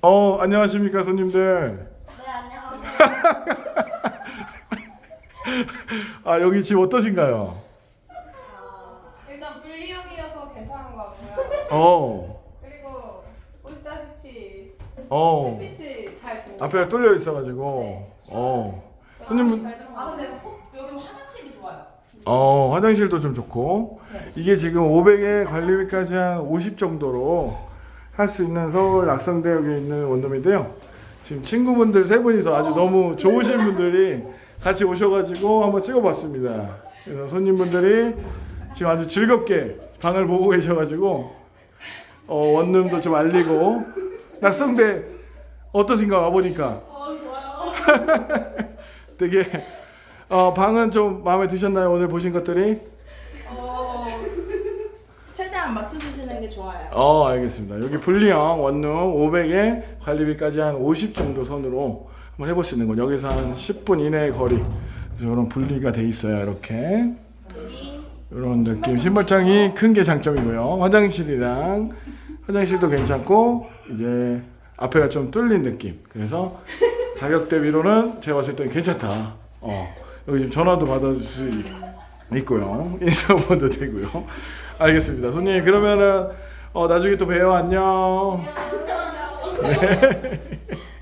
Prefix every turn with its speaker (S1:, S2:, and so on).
S1: 안녕하십니까 손님들.
S2: 네, 안녕하세요.
S1: 여기 집 어떠신가요?
S3: 일단 분리형이어서 괜찮은 것 같고요. 그리고 보시다시피 햇빛이 잘 들어오고
S1: 앞에가 뚫려 있어가지고 손님분
S3: 잘 들어오고
S2: 근데 여기 화장실이 좋아요.
S1: 화장실도 좀 좋고 이게 지금 500에 관리비까지 한 50 정도로 할 수 있는 서울 낙성대역에 있는 원룸인데요. 지금 친구분들 세 분이서 아주 너무 좋으신 분들이 같이 오셔가지고 한번 찍어봤습니다. 그래서 손님분들이 지금 아주 즐겁게 방을 보고 계셔가지고 원룸도 좀 알리고 낙성대 어떠신가 와보니까
S2: 좋아요.
S1: 되게 방은 좀 마음에 드셨나요? 오늘 보신 것들이?
S2: 최대한 맞춰주시는 게 좋아요.
S1: 알겠습니다. 여기 분리형 원룸 500에 관리비까지 한 50 정도 선으로 한번 해볼 수 있는 건 여기서 한 10분 이내의 거리. 그래서 이런 분리가 돼 있어요. 이렇게 이런 느낌. 신발장이 큰 게 장점이고요. 화장실도 괜찮고 이제 앞에가 좀 뚫린 느낌. 그래서 가격 대비로는 제가 봤을 때는 괜찮다. 여기 지금 전화도 받아줄 수 있고요. 인사번호도 되고요. 알겠습니다. 손님 그러면은 나중에 또 봬요. 안녕.
S3: 안녕.